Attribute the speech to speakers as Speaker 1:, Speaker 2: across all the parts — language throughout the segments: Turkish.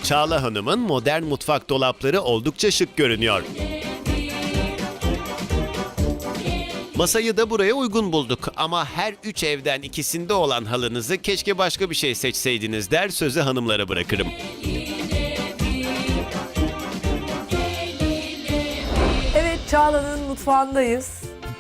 Speaker 1: Çağla Hanım'ın modern mutfak dolapları oldukça şık görünüyor. Masayı da buraya uygun bulduk ama her 3 evden ikisinde olan halınızı keşke başka bir şey seçseydiniz der, sözü hanımlara bırakırım.
Speaker 2: Evet, Çağla'nın mutfağındayız.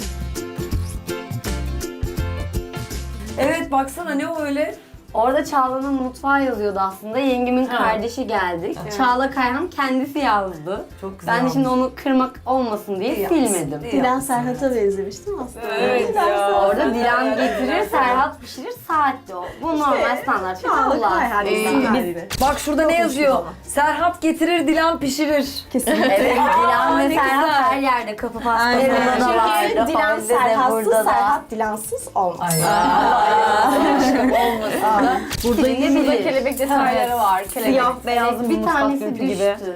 Speaker 2: Evet, baksana ne o öyle?
Speaker 3: Orada Çağla'nın mutfağı yazıyordu aslında. Yengemin kardeşi geldik. Çağla Kayhan kendisi yazdı.
Speaker 2: Çok güzel
Speaker 3: Ben de şimdi
Speaker 2: olmuş.
Speaker 3: onu kırmak olmasın diye
Speaker 2: İyi yapmışsın,
Speaker 3: silmedim.
Speaker 2: iyi
Speaker 4: Dilan
Speaker 2: yapmışsın.
Speaker 4: Serhat'a benzemiştim aslında.
Speaker 2: Evet ya.
Speaker 3: Orada Dilan getirir, Serhat pişirir, saatte o. Bu normal standart bir
Speaker 4: Çağla
Speaker 3: Allah.
Speaker 4: Kayhan gibi.
Speaker 2: Bak şurada ne yazıyor?
Speaker 4: ama.
Speaker 2: Serhat getirir, Dilan pişirir.
Speaker 4: Kesinlikle.
Speaker 3: Evet, Dilan ve
Speaker 2: ne
Speaker 3: Serhat
Speaker 2: güzel.
Speaker 3: her yerde kapı
Speaker 4: Aynen.
Speaker 3: pastasında da var.
Speaker 4: Çünkü Dilan
Speaker 3: Rafael'de de,
Speaker 4: Serhatsız,
Speaker 3: burada da.
Speaker 4: Serhat Dilansız olmaz.
Speaker 3: Burada yine
Speaker 5: Burada
Speaker 3: bilir.
Speaker 5: kelebek detayları var. Kelebek.
Speaker 4: Siyah beyazlı bir
Speaker 3: Bir
Speaker 4: mutfak
Speaker 3: tanesi
Speaker 4: görüntü
Speaker 3: düştü.
Speaker 4: gibi.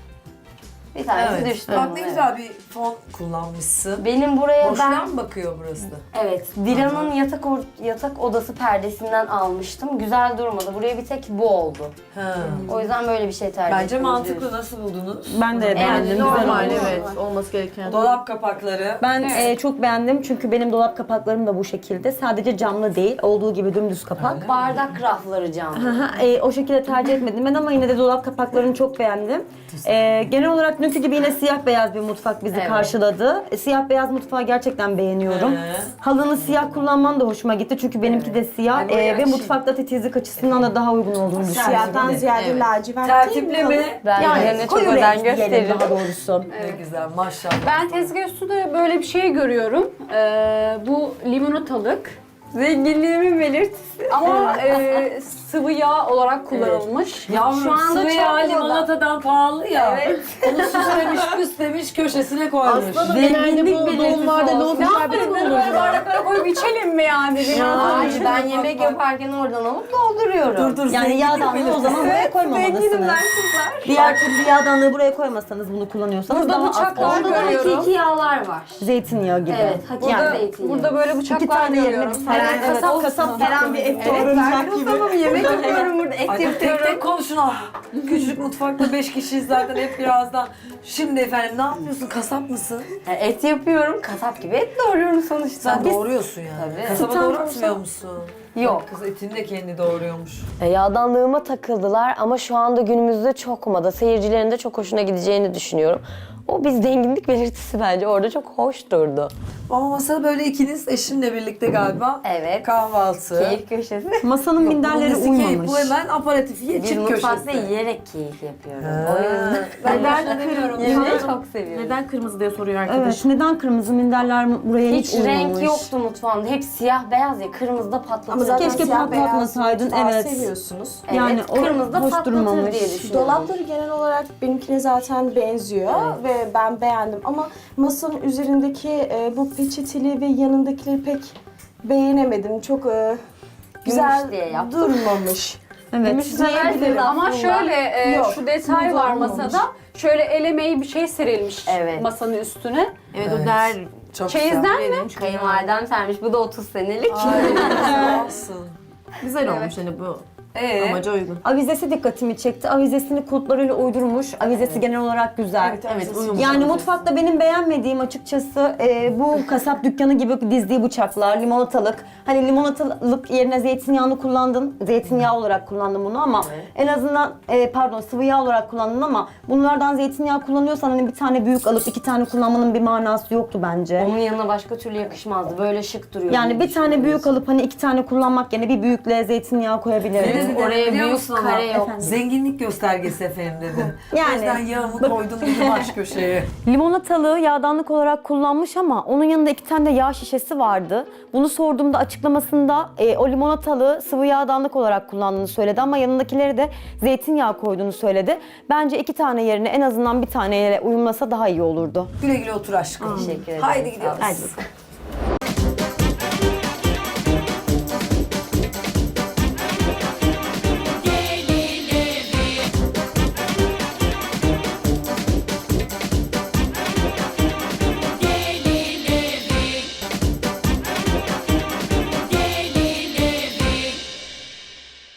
Speaker 3: Bir tanesi
Speaker 2: Evet.
Speaker 3: düştü.
Speaker 2: Bak ne
Speaker 3: Evet.
Speaker 2: güzel bir fon kullanmışsın.
Speaker 3: Benim buraya
Speaker 2: Boşluğa
Speaker 3: ben
Speaker 2: mı bakıyor burası?
Speaker 3: evet Dilan'ın yatak odası perdesinden almıştım. Güzel durmadı. Buraya bir tek bu oldu.
Speaker 2: Ha.
Speaker 3: O yüzden böyle bir şey tercih
Speaker 2: Bence
Speaker 3: ettim.
Speaker 2: mantıklı. Nasıl buldunuz?
Speaker 6: Ben de beğendim. Güzel
Speaker 3: normal,
Speaker 6: olmuş.
Speaker 3: evet.
Speaker 6: Olması gereken.
Speaker 2: Dolap kapakları.
Speaker 6: Ben çok beğendim çünkü benim dolap kapaklarım da bu şekilde. Sadece camlı değil, olduğu gibi dümdüz kapak.
Speaker 3: Bardak rafları cam.
Speaker 6: O şekilde tercih etmedim ben ama yine de dolap kapaklarını çok beğendim. Genel olarak dünkü gibi yine siyah beyaz bir mutfak bizi
Speaker 3: Evet.
Speaker 6: karşıladı. Siyah beyaz mutfağı gerçekten beğeniyorum. Halını siyah kullanman da hoşuma gitti çünkü benimki de siyah
Speaker 2: Ay, böyle
Speaker 6: ve
Speaker 2: açayım.
Speaker 6: mutfakta titizlik açısından da daha uygun olduğunu düşünüyorum.
Speaker 4: Siyahtan ziyade lacivert
Speaker 2: Tertipli mi?
Speaker 3: Ben
Speaker 6: Yani
Speaker 3: yani çok
Speaker 6: koyu
Speaker 3: özen
Speaker 6: renk diyelim
Speaker 3: gösteririm.
Speaker 6: daha doğrusu.
Speaker 2: Ne güzel maşallah.
Speaker 5: Ben tezgah üstünde böyle bir şey görüyorum. Bu limonatalık. Zenginliğimin belirtisi. Ama sıvı yağ olarak kullanılmış.
Speaker 2: Yavrum
Speaker 3: Şu anda
Speaker 2: sıvı
Speaker 3: çok
Speaker 2: yağ
Speaker 3: moda.
Speaker 2: limonatadan pahalı ya.
Speaker 3: Evet.
Speaker 2: Onu süslemiş püslemiş köşesine koymuş.
Speaker 6: Zenginlik belirtisi olsun.
Speaker 5: Ne yapalım bunu böyle bardaklara koyup içelim mi yani?
Speaker 3: Ay, ben yemek yaparken oradan alıp dolduruyorum.
Speaker 2: Dur
Speaker 6: Yani yağdanlığı o zaman buraya koymamalısınız. Diğer türlü yağdanlığı buraya koymasanız bunu kullanıyorsanız
Speaker 5: Burada
Speaker 6: daha az
Speaker 5: bıçaklar
Speaker 6: koyun.
Speaker 3: Orada da
Speaker 5: görüyorum.
Speaker 3: hakiki yağlar var.
Speaker 6: Zeytinyağı gibi.
Speaker 3: Evet, hakiki
Speaker 6: Yani
Speaker 3: zeytinyağı.
Speaker 5: Burada böyle
Speaker 6: iki
Speaker 5: bıçaklar
Speaker 6: tane yerine
Speaker 5: görüyorum.
Speaker 6: bir tane kasap falan bir et doğranacak gibi.
Speaker 3: Tamam yemek yapıyorum burada, et
Speaker 2: Ay, tek
Speaker 3: yapıyorum.
Speaker 2: tek konuşun. Ah, küçücük mutfakta 5 kişiyiz zaten hep birazdan. Şimdi efendim ne yapıyorsun? Kasap mısın?
Speaker 3: Et yapıyorum, kasap gibi et doğruyorum sonuçta.
Speaker 2: Sen doğuruyorsun yani.
Speaker 3: Tabii.
Speaker 2: Kasaba doğratmıyor musun?
Speaker 3: Yok.
Speaker 2: Kız etini de kendi doğuruyormuş.
Speaker 7: Yağdanlığıma takıldılar ama şu anda günümüzde çok moda. Seyircilerin de çok hoşuna gideceğini düşünüyorum. O bir zenginlik belirtisi bence. Orada çok hoş durdu.
Speaker 2: Ama masada böyle ikiniz eşinle birlikte galiba.
Speaker 3: Evet.
Speaker 2: Kahvaltı.
Speaker 3: Keyif köşesi.
Speaker 6: Masanın minderleri
Speaker 2: Bunun nesi keyif?
Speaker 6: uymamış.
Speaker 2: Bu hemen aparatif
Speaker 3: Biz
Speaker 2: yiyecek
Speaker 3: mutfakta
Speaker 2: köşesi.
Speaker 3: yiyerek keyif yapıyoruz.
Speaker 2: Ha.
Speaker 3: O yüzden yemeği çok seviyorum.
Speaker 6: Neden kırmızı diye soruyor arkadaş. Evet, neden kırmızı minderler buraya hiç,
Speaker 3: Hiç
Speaker 6: uymamış?
Speaker 3: renk yoktu mutfağımda. Hep siyah beyaz ya. Kırmızıda patlatır.
Speaker 4: Ama zaten
Speaker 6: Keşke
Speaker 4: siyah beyaz
Speaker 6: patlatmasaydın,
Speaker 4: mutfağı
Speaker 6: evet.
Speaker 4: seviyorsunuz.
Speaker 3: Evet,
Speaker 6: Yani o
Speaker 3: kırmızıda
Speaker 6: hoş
Speaker 3: patlatır
Speaker 6: durmamış.
Speaker 3: diye düşünüyorum.
Speaker 4: Dolapları genel olarak benimkine zaten benziyor ve ben beğendim ama masanın üzerindeki bu peçeteli ve yanındakileri pek beğenemedim. Çok güzel
Speaker 3: diye yaptım.
Speaker 4: durmamış.
Speaker 6: Evet.
Speaker 4: Diyebilirim.
Speaker 5: Ama şöyle
Speaker 4: Yok,
Speaker 5: şu detay
Speaker 4: bu
Speaker 5: var
Speaker 4: olmamış.
Speaker 5: masada. Şöyle el emeği bir şey serilmiş
Speaker 3: Evet.
Speaker 5: masanın üstüne.
Speaker 6: Evet, o der.
Speaker 2: Çok
Speaker 5: Çeyizden
Speaker 2: güzel.
Speaker 5: mi?
Speaker 3: Kayınvalidem sermiş. Bu da 30 senelik.
Speaker 2: Ay, olsun.
Speaker 6: Güzel olmuş hani bu
Speaker 2: Ee?
Speaker 6: amaca uygun. Avizesi dikkatimi çekti. Avizesini kulplarıyla uydurmuş. Avizesi genel olarak güzel.
Speaker 4: Evet,
Speaker 6: Yani mutfakta benim beğenmediğim açıkçası bu kasap dükkanı gibi dizdiği bıçaklar, limonatalık. Hani limonatalık yerine zeytinyağını kullandın. Zeytinyağı olarak kullandın bunu ama en azından pardon sıvı yağ olarak kullandın ama bunlardan zeytinyağı kullanıyorsan hani bir tane büyük alıp 2 tane kullanmanın bir manası yoktu bence.
Speaker 3: Onun yanına başka türlü yakışmazdı. Böyle şık duruyor.
Speaker 6: Yani
Speaker 3: diye
Speaker 6: bir tane büyük
Speaker 3: düşünüyoruz.
Speaker 6: alıp hani 2 tane kullanmak yerine bir büyükle zeytinyağı koyabilirdin.
Speaker 2: Ne dedi,
Speaker 3: Oraya
Speaker 2: biliyor
Speaker 3: büyük
Speaker 2: musun ona?
Speaker 3: kare yok.
Speaker 2: Zenginlik göstergesi efendim dedi.
Speaker 6: Yani.
Speaker 2: O yüzden yağımı koydum dedim baş köşeye.
Speaker 6: Limonatalığı yağdanlık olarak kullanmış ama onun yanında 2 tane de yağ şişesi vardı. Bunu sorduğumda açıklamasında o limonatalığı sıvı yağdanlık olarak kullandığını söyledi ama yanındakileri de zeytinyağı koyduğunu söyledi. Bence 2 tane yerine en azından bir taneyle uyumlasa daha iyi olurdu.
Speaker 2: Güle güle otur aşkım.
Speaker 3: Teşekkür ederim.
Speaker 2: Haydi gidiyoruz.
Speaker 6: Hadi bakalım.